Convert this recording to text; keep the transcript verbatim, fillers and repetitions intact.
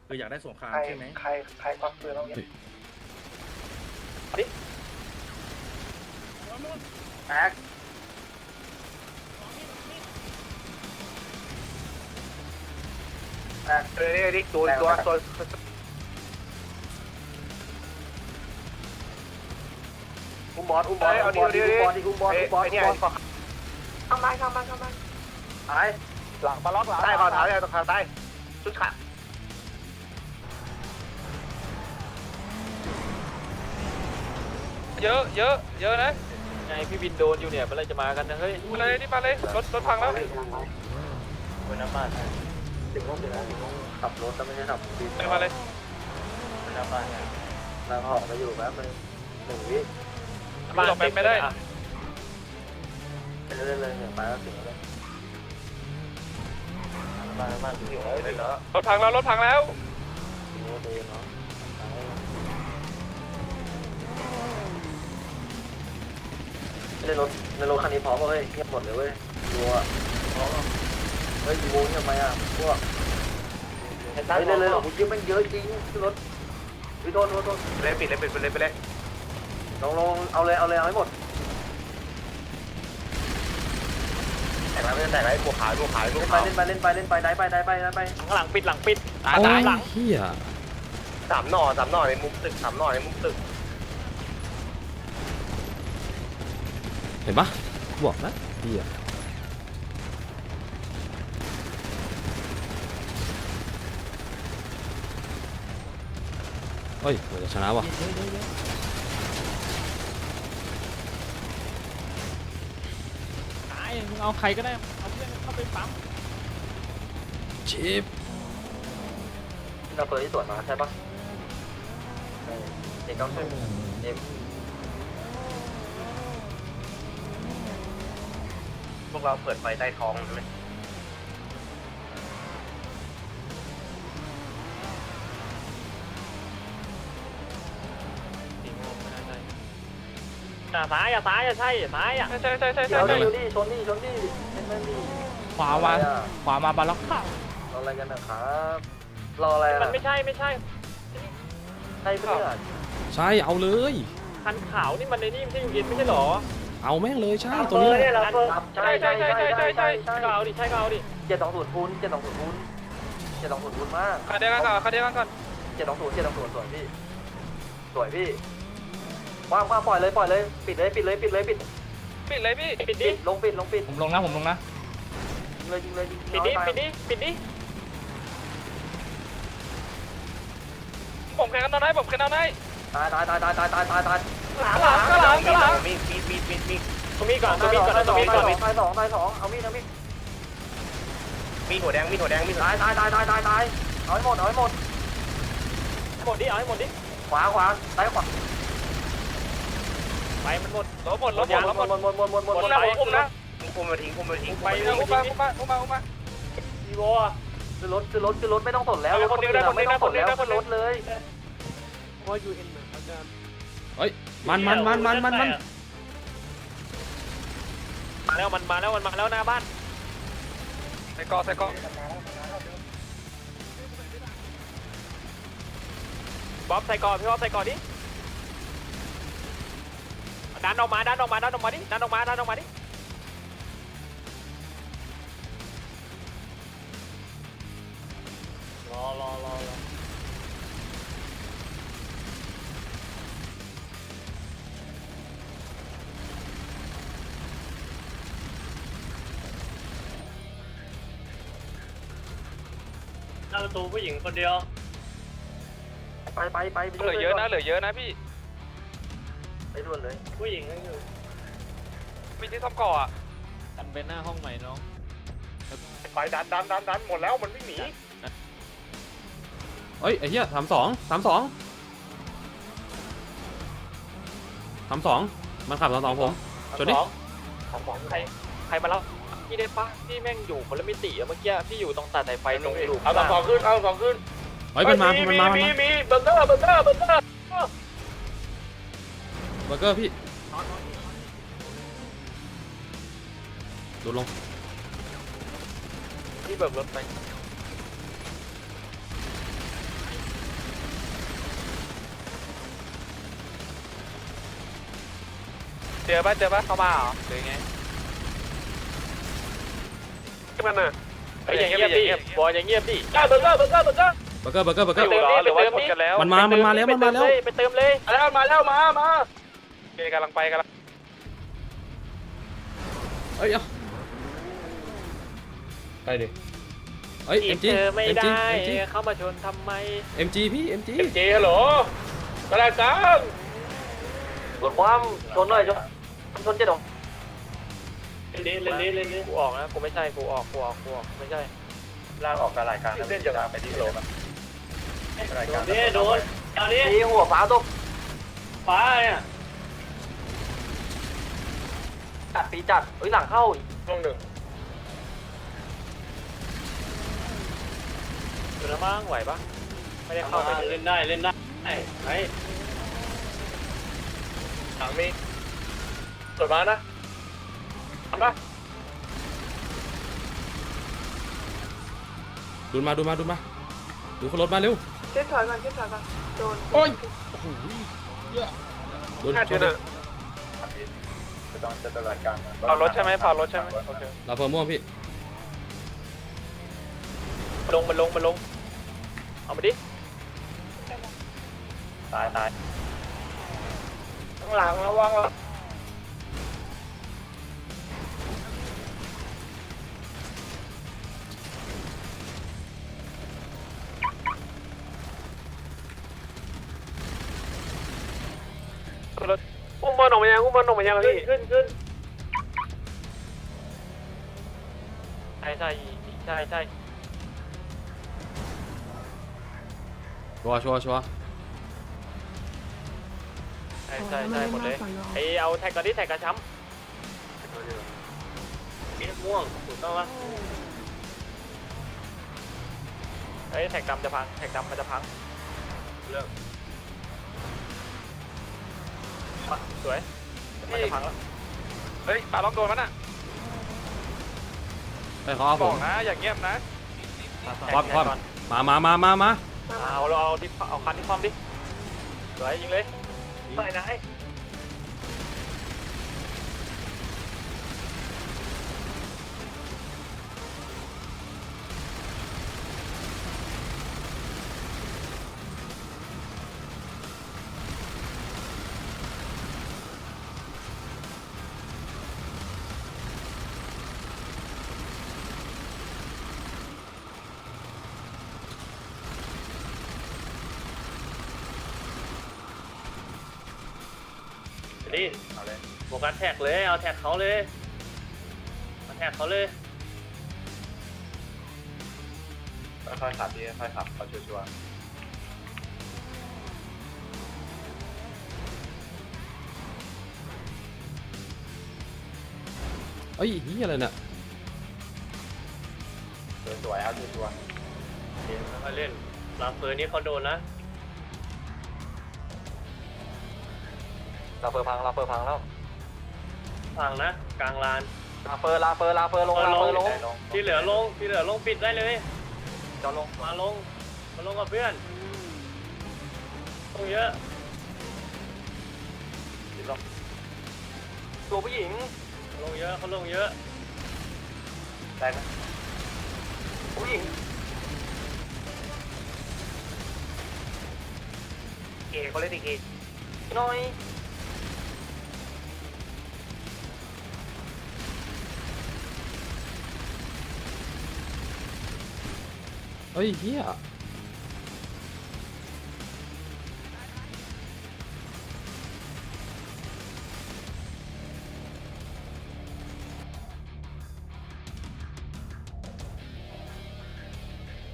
คืออยากได้สงครามใครใช่ไหมใครใครควักปืนแล้วเนี่ยแม็กแม็กเดี๋ยวดิตัวตัวตัวอุ้มบอสอุ้มบอสอุ้มบอสอุ้มบอสอุ้มบอสอุ้มบอสอุ้มบอสข้างบ้านข้างบ้านข้างบ้านตายหลังปลาล็อกหลังใต้ก่อนท้ายเลยต้องขาใต้ชุดขาเยอะเยอะเยอะนะไงพี่บินโดนอยู่เนี่ยเมื่อไรจะมากันนะเฮ้ยมาเลยนี่มาเลยรถรถพังแล้วบนน้ำบ้านถึงห้องเดี๋ยวขับรถแต่ไม่ใช่ขับบินไปมาเลยบนน้ำบ้านเราออกมาอยู่แป๊บนึงหนึ่งวิบ้านไปไม่ได้ไปเรื่อยๆเลยไปแล้วถึงแล้วบ้านบ้านอยู่เลยเหรอรถพังแล้วรถพังแล้วโอ้ดีเนาะในรถในรถคันนี้พร้อมเฮ้ยเงียบหมดเลยเว้ยรัวเฮ้ยโว้ยทำไมอ่ะพวกเฮ้ยเลยเลยผมคิดมันเยอะจริงรถวิโดนโดนโดนเลยปิดเลยปิดไปเลยไปเลยลองลองเอาเลยเอาเลยเอาให้หมดแต่ละเรื่องแต่ละไอ้บัวขาวบัวขาวบัวเล่นไปขาวเล่นไปเล่นไปเล่นไปได้ไปได้ไปได้ไปหลังปิดหลังปิดตายโอ้ตายยหลังเฮียสามหน่อสามหน่อในมุมตึกสามหน่อในมุมตึกเห็นปะบอกนะเฮียเฮ้ยเราจะชนะวะตายมึงเอาใครก็ได้เอาเพื่อนเข้าไปปั๊มชิปเราเคยที่สวนมาใช่ปะเด็กต้องช่วยเอ็มพวกเราเปิดไฟใต้ท้องใช่ไหมอย่าซ้ายอย่าซ้ายอย่าใช่ซ้ายอ่ะใช่ใช่ใช่ใช่เดี๋ยวใช่ดิชนดิชนดิเล่นเล่นดิขวามาขวามาบาล็อกข้าวรออะไรกันนะครับรออะไรอ่ะมันไม่ใช่ไม่ใช่ใช่เพื่อนใช่เอาเลยคันขาวนี่มันในนี่ไม่ใช่ยูเย็นไม่ใช่หรอเอาแม่งเลยใช่ตัวนี้แหละใช่ใช่ใช่ใช่ใช่ใช่ใช่ก็เอาดิใช่ก็เอาดิเจ็ดสองศูนย์คูณเจ็ดสองศูนย์คูณเจ็ดสองศูนย์คูณมากคันเดียวกันก่อนคันเดียวกันก่อนเจ็ดสองศูนย์เจ็ดสองศูนย์สวยพี่สวยพี่ว่างว่างปล่อยเลยปล่อยเลยปิดเลยปิดเลยปิดเลยปิดปิดเลยพี่ปิดดิปิดลงปิดลงปิดผมลงนะผมลงนะยิงเลยยิงเลยยิงปิดดิปิดดิปิดดิผมแข่งกันตอนไหนผมแข่งตอนไหนตายตายตายตายตายตายตายตายหลังหลังหลังหลังมีมีมีมีมีตรงนี้ก่อนตรงนี้ก่อนตรงนี้ก่อนตายสองตายสองเอามีดเอามีดมีหัวแดงมีหัวแดงมีตายตายตายตายตายตายเอาให้หมดเอาให้หมดหมดดิเอาให้หมดดิขวาขวาซ้ายขวาไปมันหมดรถหมดรถหมดรถหมดหมดหมดหมดหมดหมดผมนะผมนะคุมมาทิ้งคุมมาทิ้งไปอุ้มมาอุ้มมาอุ้มมาอุ้มมาอีโวคือรถคือรถคือรถไม่ต้องสนแล้วรถไม่ต้องสนแล้วคือรถเลยว่ายูเอ็นเหมือนเขาจะเฮ้ยมันมันมันมันมันมันมาแล้วมันมาแล้วมันมาแล้วหน้าบ้านใส่กอใส่กอบ๊อบใส่ก่อนพี่บ๊อบใส่ก่อนดิดันออกมาดันออกมาดันออกมาดิดันออกมาดันออกมาดิรอรอรอรอหน้าประตูผู้หญิงคนเดียวไปไปไปเหลือเยอะนะเหลือเยอะนะพี่ไปด่วนเลยผู้หญิงก็อยู่มีที่ซ่อมก่ออ่ะกันเป็นหน้าห้องใหม่น้องไฟดันดันดันดันหมดแล้วมันไม่หนีเฮ้ยไอ้เหี้ยสามสองสามสองสามสองมันขับสามสองผมชนดิของของใครใครมาแล้วพี่ได้ปะพี่แม่งอยู่คนละมิติอะเมื่อกี้พี่อยู่ตรงตัดสายไฟตรงอยู่เอาสองขึ้นเอาสองขึ้นเฮ้ยมันมามันมามันมีมามีเบอร์เกอร์เบอร์เกอร์เบอร์เกอร์เบอร์เกอร์พี่ดูลงพี่เบิกรถไปเจอปะเจอปะเข้ามาเหรอหรือไงมันน่ะไอ้อย่างเงียบดิบอลอย่างเงียบดิเบอร์เกอร์เบอร์เกอร์เบอร์เกอร์เบอร์เกอร์เบอร์เกอร์เบอร์เกไปอร์เติมดิหรือไปว่าเติมชนดิกันแล้วมันมามันมาแล้วมันมาแล้วไปเติมเลยแล้วมาแล้วมามาโอเคกำลังไปกำลังเอ้ยเอาไปดิเอ้ยเอ็มจีเธอไม่เอ็มได้จีเอ็มจีเข้ามาชนทำไมเอ็มจีพี่เอ็มจีเจฮัลโหลกระไรกันรถความชนหน่อยชนชนเจ๊ดงเล่นเล่นเล่นเล่นเล่นกูออกนะกูไม่ใช่กูออกกูออกกูออกไม่ใช่ลากออกกระไรกันเส้นจะไปที่โหลกันรายการนี่โดนเอาดิตีหัวฟ้าตกฟ้าเนี่ยจัดปีจัดเฮ้ยหลังเข้าอีกช่วงหนึ่งดูนะมั่งไหวปะไม่ได้เข้าไปเล่นได้เล่นได้ไหนหลังมีสวยมากนะทำปะดูมาดูมาดูมาดูเขารถมาเร็วเช็ดถอยก่อนเช็ดถอยก่อนโดนโอ้ยโดนแค่ชเดือน นอ่ะเผารถใช่ไหมเผารถใช่ไหมโอเคเราเพิ่มม่วงพี่ลงมันลงมันลงเอามาดิตายตายข้างหลังระวังรถอุ้มบอลออกมายังอุ้มบอลออกมายังพี่ขึ้นขึ้นใช่ใช่ใช่ใช่ชัวร์ชัวร์ชัวร์ใช่ใช่ใช่หมดเลยไอเอาแท็กก่อนดิแท็กกระช้ำมีม่วงถูกต้องปะไอแท็กดำจะพังแท็กดำมันจะพังเลิกสวยมันจะพังแล้วเฮ้ยปาล็อกโดนมันอ่ะไปเขาเอาบผอกมนะอย่าเงียบนะควับควับมามามามามาเอาเราเอาที่เอาคันที่คว่ำดิสวยยิงเลยไปไหนดิเอาเลยโฟกัสแท็กเลยเอาแท็กเขาเลยมาแท็กเขาเลยค่อยๆขับดีค่อยๆขับเขาชัวร์เอ้ยนี่อะไรเนี่ยสวยๆครับชัวร์มาเล่นลาเฟอร์นี่เขาโดนนะลาเฟอร์พังลาเฟอร์พังแล้วพังนะกลางลานลาเฟอร์ลาเฟอร์ลาเฟอร์ลงลาเฟอร์ลงที่เหลือลงที่เหลือลงปิดได้เลยจอลงมาลงมาลงกับเพื่อนลงเยอะตัวผู้หญิงลงเยอะเขาลงเยอะได้ไหมผู้หญิงเก๋เขาเล่นอีกเก๋น้อยเอ้ยเฮีย